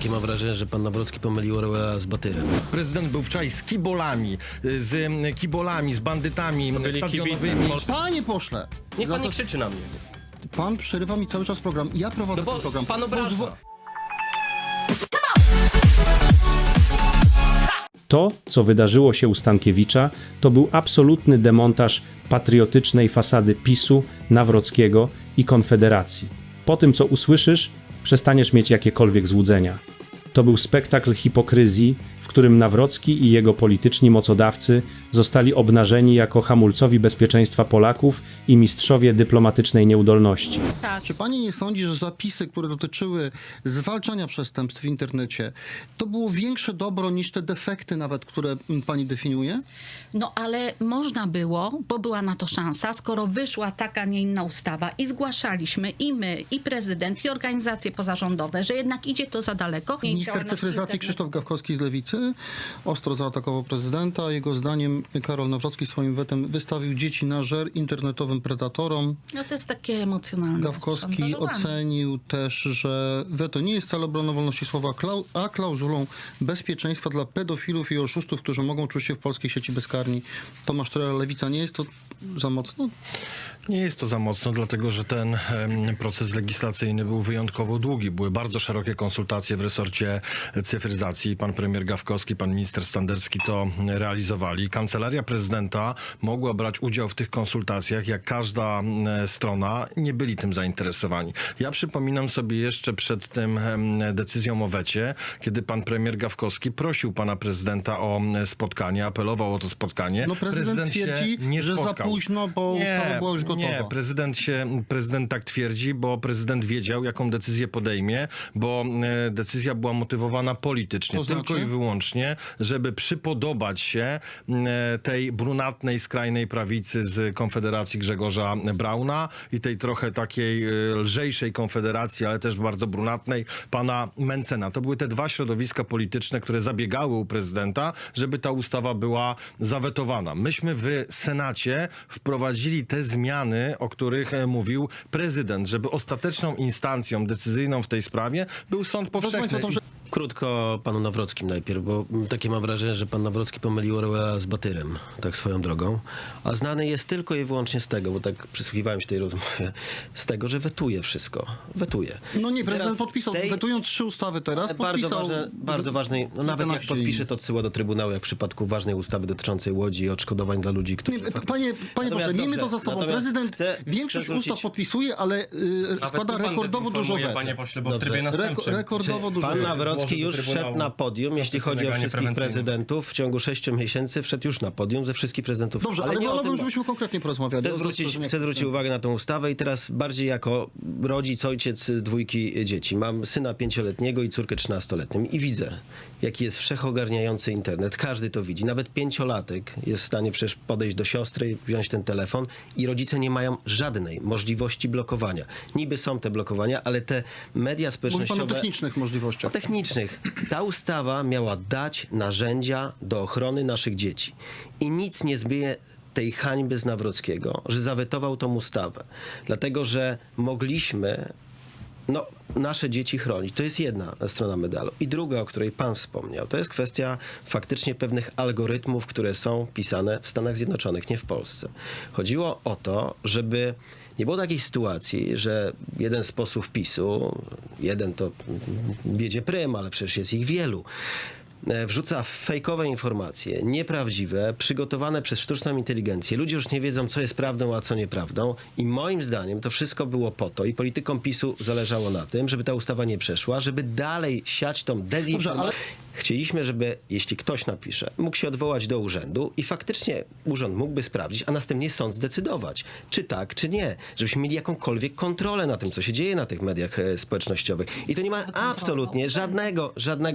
Takie mam wrażenie, że pan Nawrocki pomylił Orwella z Batyrem. Prezydent był wczoraj z kibolami, z bandytami stadionowymi. Panie pośle, Niech pan nie krzyczy na mnie. pan przerywa mi cały czas program. Ja prowadzę ten program. Pan obraża. To, co wydarzyło się u Stankiewicza, to był absolutny demontaż patriotycznej fasady PiS-u, Nawrockiego i Konfederacji. Po tym, co usłyszysz, przestaniesz mieć jakiekolwiek złudzenia. To był spektakl hipokryzji, w którym Nawrocki i jego polityczni mocodawcy zostali obnażeni jako hamulcowi bezpieczeństwa Polaków i mistrzowie dyplomatycznej nieudolności. Czy pani nie sądzi, że zapisy, które dotyczyły zwalczania przestępstw w internecie, to było większe dobro niż te defekty nawet, które pani definiuje? No ale można było, bo była na to szansa, skoro wyszła taka, nie inna ustawa i zgłaszaliśmy i my, i prezydent, i organizacje pozarządowe, że jednak idzie to za daleko. Minister cyfryzacji Krzysztof Gawkowski z Lewicy ostro zaatakował prezydenta. Jego zdaniem Karol Nawrocki swoim wetem wystawił dzieci na żer internetowym predatorom. No to jest takie emocjonalne. Gawkowski szantażowanie. ocenił też, że weto nie jest wcale obroną wolności słowa, a klauzulą bezpieczeństwa dla pedofilów i oszustów, którzy mogą czuć się w polskiej sieci bezkarni. Tomasz Trela, Lewica, nie jest to za mocno? Nie jest to za mocno, dlatego że ten proces legislacyjny był wyjątkowo długi. Były bardzo szerokie konsultacje w resorcie cyfryzacji. Pan premier Gawkowski, pan minister Standerski to realizowali. Kancelaria prezydenta mogła brać udział w tych konsultacjach, jak każda strona. Nie byli tym zainteresowani. Ja przypominam sobie jeszcze przed tym decyzją o wecie, kiedy pan premier Gawkowski prosił pana prezydenta o spotkanie, apelował o to spotkanie. No prezydent twierdzi, nie że za spotkał. późno, bo ustawa była już gotowa. Nie, prezydent tak twierdzi, bo prezydent wiedział, jaką decyzję podejmie, bo decyzja była motywowana politycznie, To znaczy? tylko i wyłącznie, żeby przypodobać się tej brunatnej, skrajnej prawicy z Konfederacji Grzegorza Brauna i tej trochę takiej lżejszej Konfederacji, ale też bardzo brunatnej pana Mencena. To były te dwa środowiska polityczne, które zabiegały u prezydenta, żeby ta ustawa była zawetowana. Myśmy w Senacie wprowadzili te zmiany, o których mówił prezydent, żeby ostateczną instancją decyzyjną w tej sprawie był sąd powszechny. Krótko panu Nawrockim najpierw, bo takie mam wrażenie, że pan Nawrocki pomylił Orwella z Batyrem, tak swoją drogą. A znany jest tylko i wyłącznie z tego, bo tak przysłuchiwałem się tej rozmowie, z tego, że wetuje wszystko. Wetuje. No nie, prezydent Teraz podpisał, wetując 3 ustawy teraz, podpisał... Bardzo ważnej, no nawet jak 11 podpisze, to odsyła do Trybunału, jak w przypadku ważnej ustawy dotyczącej Łodzi i odszkodowań dla ludzi, którzy... Nie, panie pośle, miejmy to za sobą. Prezydent większość ustaw podpisuje, ale składa rekordowo dużo wet. Panie pośle, bo w Dobrze. trybie następczym. Rekordowo dużo Pan wet. Nawrocki już wszedł na podium, jeśli chodzi o wszystkich prezydentów. W ciągu 6 miesięcy wszedł już na podium ze wszystkich prezydentów. Dobrze, ale nie o wolałbym, tym, żebyśmy konkretnie porozmawiali. Chcę zwrócić uwagę na tą ustawę i teraz bardziej jako rodzic, ojciec dwójki dzieci. Mam syna 5-letniego i córkę 13-letnią i widzę, jaki jest wszechogarniający internet. Każdy to widzi. Nawet 5-latek jest w stanie przecież podejść do siostry, wziąć ten telefon i rodzice nie mają żadnej możliwości blokowania. Niby są te blokowania, ale te media Mówi społecznościowe... pan o technicznych możliwościach. O technicznych. Ta ustawa miała dać narzędzia do ochrony naszych dzieci. I nic nie zbije tej hańby z Nawrockiego, że zawetował tą ustawę. Dlatego, że mogliśmy nasze dzieci chronić. To jest jedna strona medalu. I druga, o której pan wspomniał, to jest kwestia faktycznie pewnych algorytmów, które są pisane w Stanach Zjednoczonych, nie w Polsce. Chodziło o to, żeby nie było takiej sytuacji, że jeden z posłów PiS-u, jeden to wiedzie prym, ale przecież jest ich wielu, wrzuca fejkowe informacje, nieprawdziwe, przygotowane przez sztuczną inteligencję. Ludzie już nie wiedzą, co jest prawdą, a co nieprawdą. I moim zdaniem to wszystko było po to i politykom PiS-u zależało na tym, żeby ta ustawa nie przeszła, żeby dalej siać tą dezinformację. Chcieliśmy, żeby jeśli ktoś napisze, mógł się odwołać do urzędu i faktycznie urząd mógłby sprawdzić, a następnie sąd zdecydować, czy tak, czy nie. Żebyśmy mieli jakąkolwiek kontrolę na tym, co się dzieje na tych mediach społecznościowych. I to nie ma absolutnie żadnego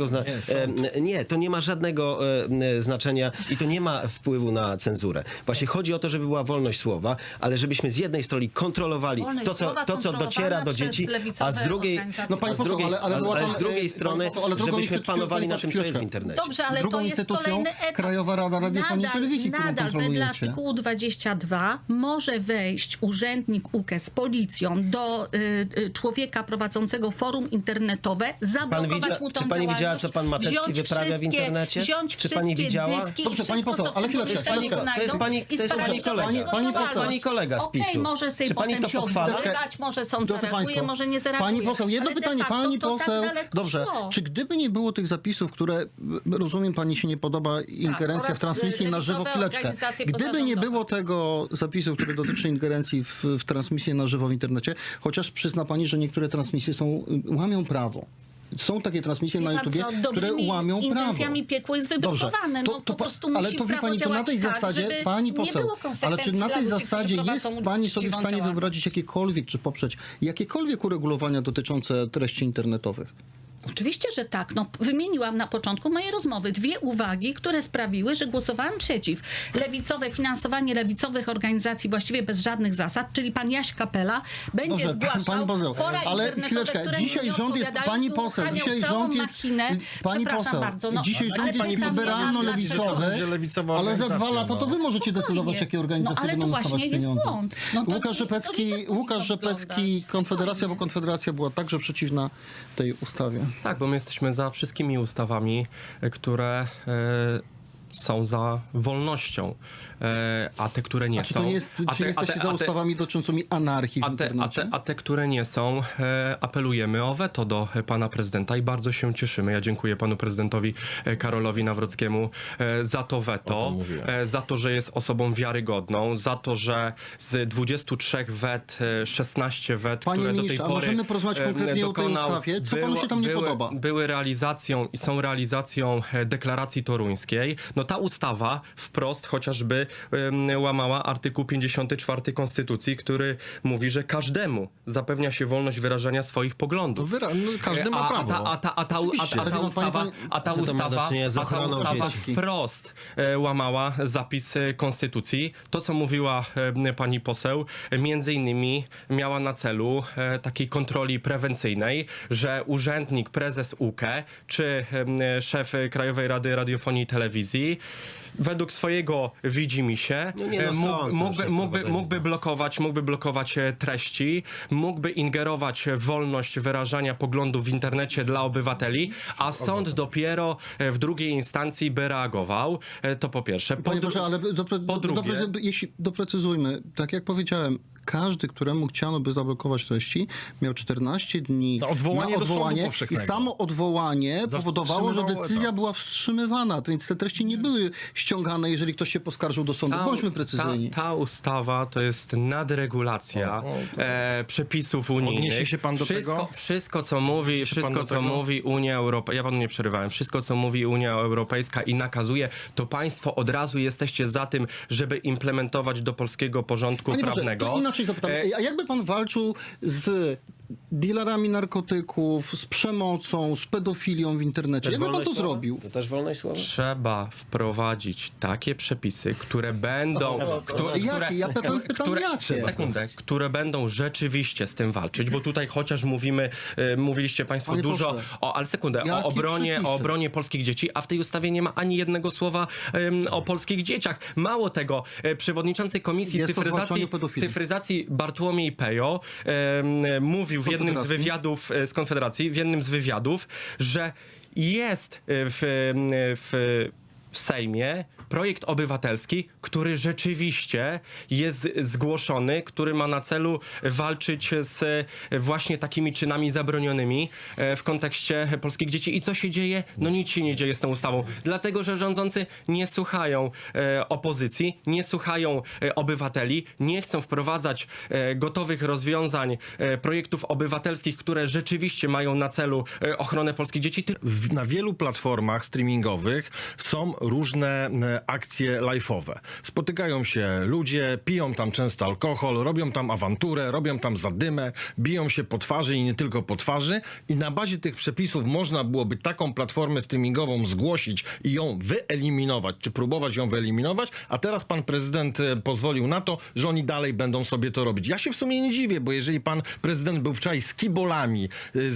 to nie ma żadnego znaczenia i to nie ma wpływu na cenzurę. Właśnie chodzi o to, żeby była wolność słowa, ale żebyśmy z jednej strony kontrolowali to, co dociera do dzieci, a z drugiej, No pani poseł, ale z drugiej strony, żebyśmy panowali nad tym, co jest w chwileczkę. internecie. Dobrze, ale Drugą to jest instytucją kolejny etap. Krajowa Rada Radiofonii i Telewizji, którą nadal wedle kontrolujecie. artykułu 22 może wejść urzędnik UKE z policją do człowieka prowadzącego forum internetowe, zablokować mu tą czy pani widziała, działalność, co pan Matecki wziąć wyprawia w internecie? Wziąć Czy pani wszystkie widziała? dyski Dobrze, i pani wszystko, poseł, co w ale tym chwileczkę, pomieszczeniu chwileczkę. znajdą To jest pani i kolega. sprawdzić, Pani co poseł. działalność. Pani kolega z Okej, PiS-u. może sobie Czy pani potem to się pochwala? odwoływać, może sąd Drodzy zareaguje, państwo, może nie zareaguje. Pani poseł, jedno Ale de pytanie, facto pani to poseł. Tak daleko Dobrze, szło. czy gdyby nie było tych zapisów, które, rozumiem, pani się nie podoba ingerencja oraz w transmisję na żywo, lewicowe chwileczkę. organizacje Gdyby nie pozarządowe. było tego zapisu, który dotyczy ingerencji w transmisję na żywo w internecie, chociaż przyzna pani, że niektóre transmisje łamią prawo. Są takie transmisje na Wie pan YouTubie, co, które dobrymi łamią prawo. intencjami piekło jest wybrukowane. Dobrze, No, po prostu ale musi to wie prawo pani, to na działać tej tak, zasadzie, żeby pani nie poseł, było ale czy konsekwencji na dla tej ludzi, którzy zasadzie jest prowadzą pani sobie w uczciwą stanie działalność? wyobrazić jakiekolwiek, czy poprzeć jakiekolwiek uregulowania dotyczące treści internetowych? Oczywiście, że tak. No, wymieniłam na początku mojej rozmowy 2 uwagi, które sprawiły, że głosowałam przeciw. Finansowanie lewicowych organizacji właściwie bez żadnych zasad, czyli pan Jaś Kapela będzie Dobrze, zgłaszał pani poseł, fora ale internetowe, chwileczkę, które dzisiaj nie rząd jest, odpowiadają, pani i poseł, uruchamiał dzisiaj całą rząd jest, machinę. pani Przepraszam poseł, bardzo. No, dzisiaj ale rząd jest pytam się, liberalno-lewicowy, Będzie lewicowa ale za 2 organizacja, lata to wy możecie decydować, jakie organizacje ale będą to dostawać właśnie jest pieniądze. błąd. No to Łukasz to nie tak Rzepecki, powinno Konfederacja, wyglądać. bo Konfederacja była także przeciwna tej ustawie. Tak, bo my jesteśmy za wszystkimi ustawami, które są za wolnością, a te, które nie A czy są... to nie jest, czy nie jesteście za ustawami dotyczącymi anarchii w internecie? A te, które nie są, apelujemy o weto do pana prezydenta i bardzo się cieszymy. Ja dziękuję panu prezydentowi Karolowi Nawrockiemu za to O weto, tym mówiłem. za to, że jest osobą wiarygodną, za to, że z 23 wet, 16 wet, Panie które do tej ministrze, a pory możemy porozmawiać konkretnie o tej dokonał, ustawie? Co panu się tam nie podoba? Były realizacją i są realizacją deklaracji toruńskiej. No ta ustawa wprost chociażby łamała artykuł 54 Konstytucji, który mówi, że każdemu zapewnia się wolność wyrażania swoich poglądów. Każdy ma prawo. A ta Co to ma do czynienia z ochroną ustawa dzieci? wprost łamała zapis Konstytucji. To, co mówiła pani poseł, między innymi miała na celu takiej kontroli prewencyjnej, że urzędnik, prezes UKE czy szef Krajowej Rady Radiofonii i Telewizji według swojego widzimisię No nie, no sąd proszę mógłby blokować treści, mógłby ingerować w wolność wyrażania poglądów w internecie dla obywateli, a sąd dopiero w drugiej instancji by reagował. To po pierwsze. Panie Boże, ale drugie- jeśli doprecyzujmy, tak jak powiedziałem, każdy, któremu chciano by zablokować treści, miał 14 dni Na odwołanie do sądu i powszechnego. samo odwołanie powodowało, że Wstrzymywało decyzja etap. była wstrzymywana, więc te treści nie były ściągane, jeżeli ktoś się poskarżył do sądu. Bądźmy precyzyjni. Ta ustawa to jest nadregulacja przepisów unijnych. Odniesie się pan do tego? Wszystko, co mówi, pan do tego? mówi Unia Europejska, ja panu nie przerywałem, wszystko, co mówi Unia Europejska i nakazuje, to państwo od razu jesteście za tym, żeby implementować do polskiego porządku Panie Boże, prawnego. to inaczej zapytam. A jakby pan walczył z dealerami narkotyków, z przemocą, z pedofilią w internecie? Jakby pan to wolność słowa? zrobił? To też wolność słowa? Trzeba wprowadzić takie przepisy, które będą... Jakie? Ja pytam jakie? Sekundę. Które będą rzeczywiście z tym walczyć, bo tutaj chociaż mówiliście państwo Panie dużo pośle, ale sekundę, jakie o obronie polskich dzieci, a w tej ustawie nie ma ani jednego słowa o polskich dzieciach. Mało tego, przewodniczący Komisji Jest o zwalczaniu pedofilii. cyfryzacji Bartłomiej Pejo mówił w jednym z Konfederacji. wywiadów z Konfederacji, w jednym z wywiadów, że jest w Sejmie projekt obywatelski, który rzeczywiście jest zgłoszony, który ma na celu walczyć z właśnie takimi czynami zabronionymi w kontekście polskich dzieci. I co się dzieje? No nic się nie dzieje z tą ustawą. Dlatego, że rządzący nie słuchają opozycji, nie słuchają obywateli, nie chcą wprowadzać gotowych rozwiązań, projektów obywatelskich, które rzeczywiście mają na celu ochronę polskich dzieci. Na wielu platformach streamingowych są różne akcje live'owe. Spotykają się ludzie, piją tam często alkohol, robią tam awanturę, robią tam zadymę, biją się po twarzy i nie tylko po twarzy i na bazie tych przepisów można byłoby taką platformę streamingową zgłosić i ją wyeliminować, czy próbować ją wyeliminować, a teraz pan prezydent pozwolił na to, że oni dalej będą sobie to robić. Ja się w sumie nie dziwię, bo jeżeli pan prezydent był wczoraj z kibolami,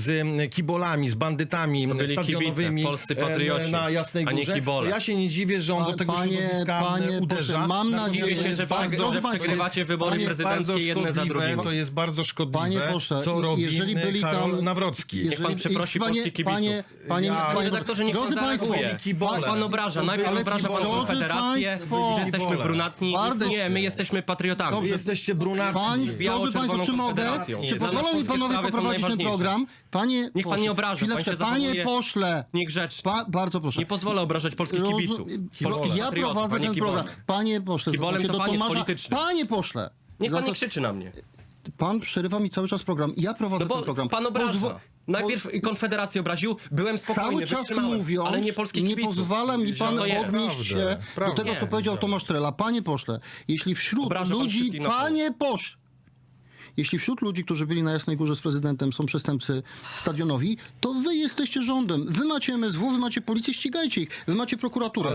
z bandytami To byli stadionowymi kibice, polscy patrioci, na Jasnej a nie Górze, kibole. to ja się nie dziwię, że on do tego środowiska uderza. pośle, mam Natomiast nadzieję, Dziwię się, że Bardzo- drodzy państwo, przegrywacie wybory panie- prezydenckie jedne za drugim. To jest bardzo szkodliwe, Panie pośle, co robi jeżeli byli Karol tam- Nawrocki. Niech pan przeprosi polskich kibiców. Panie Redaktorze, niech pan drodzy państwo, zareaguje. kibole. Pan obraża. Najpierw Ale obraża pan drodzy Konfederację, państwo, że jesteśmy kibole. brunatni. Bardzo Nie, się- my jesteśmy patriotami. Dobrze. Wy jesteście brunatni. Drodzy państwo, czy mogę? Konfederacją. Czy Dla nas pozwolą mi polskie panowie sprawy są poprowadzić ten najważniejsze. program? Niech pan nie obraża, pan Chwileczkę, się panie zachowuje pośle. Niegrzecznie. Bardzo proszę. Nie pozwolę obrażać polskich Rozu- kibiców. Polskich Ja patriotów, prowadzę a nie ten kibolem. program. Panie pośle, Kibolem zwróćcie to do pan jest Tomasza. polityczny. Panie pośle. Niech pan Za- nie krzyczy na mnie. Pan przerywa mi cały czas program. Ja prowadzę No ten program. bo pan obraża. Najpierw Konfederację obraził, byłem spokojny, Cały czas wytrzymałem, mówiąc, ale nie polskich nie kibiców. pozwala mi pan To jest. odnieść się do tego, co powiedział Tomasz Trela. Panie pośle, jeśli wśród Obraża pan ludzi... wszystkich na pół. Panie pośle! Jeśli wśród ludzi, którzy byli na Jasnej Górze z prezydentem, są przestępcy stadionowi, to wy jesteście rządem. Wy macie MSW, wy macie policję, ścigajcie ich. Wy macie prokuraturę.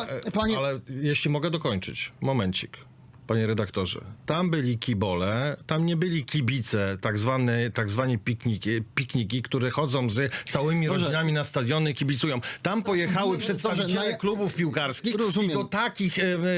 Ale jeśli mogę dokończyć, momencik. Panie redaktorze, tam byli kibole, tam nie byli kibice, tak zwani pikniki, które chodzą z całymi Dobrze. rodzinami na stadiony i kibicują. Tam pojechały przedstawiciele klubów piłkarskich Rozumiem. i do takich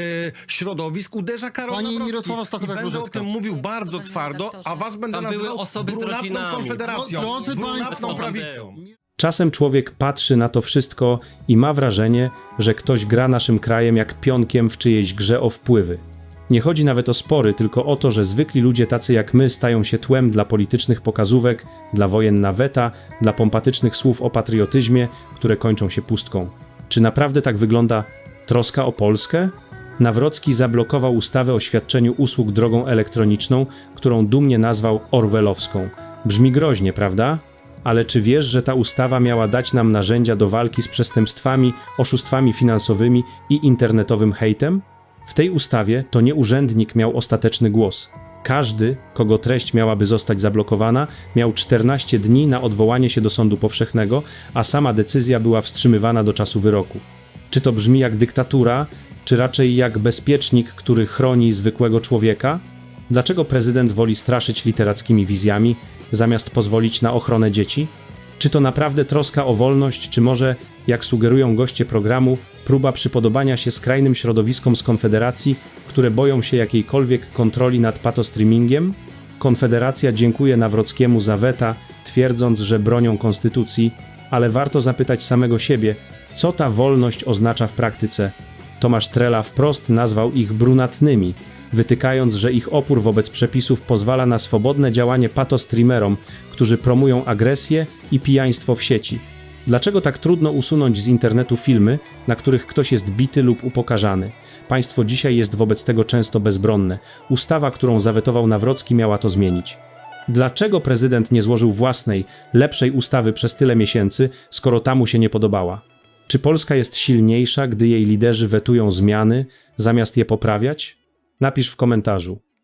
środowisk uderza Karol Pani Nawrocki. Mirosława I będę o Stachowek-Różecka. tym mówił bardzo twardo, a was będę Tam były nazywał osoby z brunatną rodzinami. konfederacją, Drodzy brunatną państwo. prawicą. Czasem człowiek patrzy na to wszystko i ma wrażenie, że ktoś gra naszym krajem jak pionkiem w czyjejś grze o wpływy. Nie chodzi nawet o spory, tylko o to, że zwykli ludzie tacy jak my stają się tłem dla politycznych pokazówek, dla wojen na weta, dla pompatycznych słów o patriotyzmie, które kończą się pustką. Czy naprawdę tak wygląda troska o Polskę? Nawrocki zablokował ustawę o świadczeniu usług drogą elektroniczną, którą dumnie nazwał orwellowską. Brzmi groźnie, prawda? Ale czy wiesz, że ta ustawa miała dać nam narzędzia do walki z przestępstwami, oszustwami finansowymi i internetowym hejtem? W tej ustawie to nie urzędnik miał ostateczny głos. Każdy, kogo treść miałaby zostać zablokowana, miał 14 dni na odwołanie się do sądu powszechnego, a sama decyzja była wstrzymywana do czasu wyroku. Czy to brzmi jak dyktatura, czy raczej jak bezpiecznik, który chroni zwykłego człowieka? Dlaczego prezydent woli straszyć literackimi wizjami, zamiast pozwolić na ochronę dzieci? Czy to naprawdę troska o wolność, czy może, jak sugerują goście programu, próba przypodobania się skrajnym środowiskom z Konfederacji, które boją się jakiejkolwiek kontroli nad patostreamingiem? Konfederacja dziękuje Nawrockiemu za weta, twierdząc, że bronią konstytucji, ale warto zapytać samego siebie, co ta wolność oznacza w praktyce. Tomasz Trela wprost nazwał ich brunatnymi, wytykając, że ich opór wobec przepisów pozwala na swobodne działanie patostreamerom, którzy promują agresję i pijaństwo w sieci. Dlaczego tak trudno usunąć z internetu filmy, na których ktoś jest bity lub upokarzany? Państwo dzisiaj jest wobec tego często bezbronne. Ustawa, którą zawetował Nawrocki, miała to zmienić. Dlaczego prezydent nie złożył własnej, lepszej ustawy przez tyle miesięcy, skoro ta mu się nie podobała? Czy Polska jest silniejsza, gdy jej liderzy wetują zmiany, zamiast je poprawiać? Napisz w komentarzu.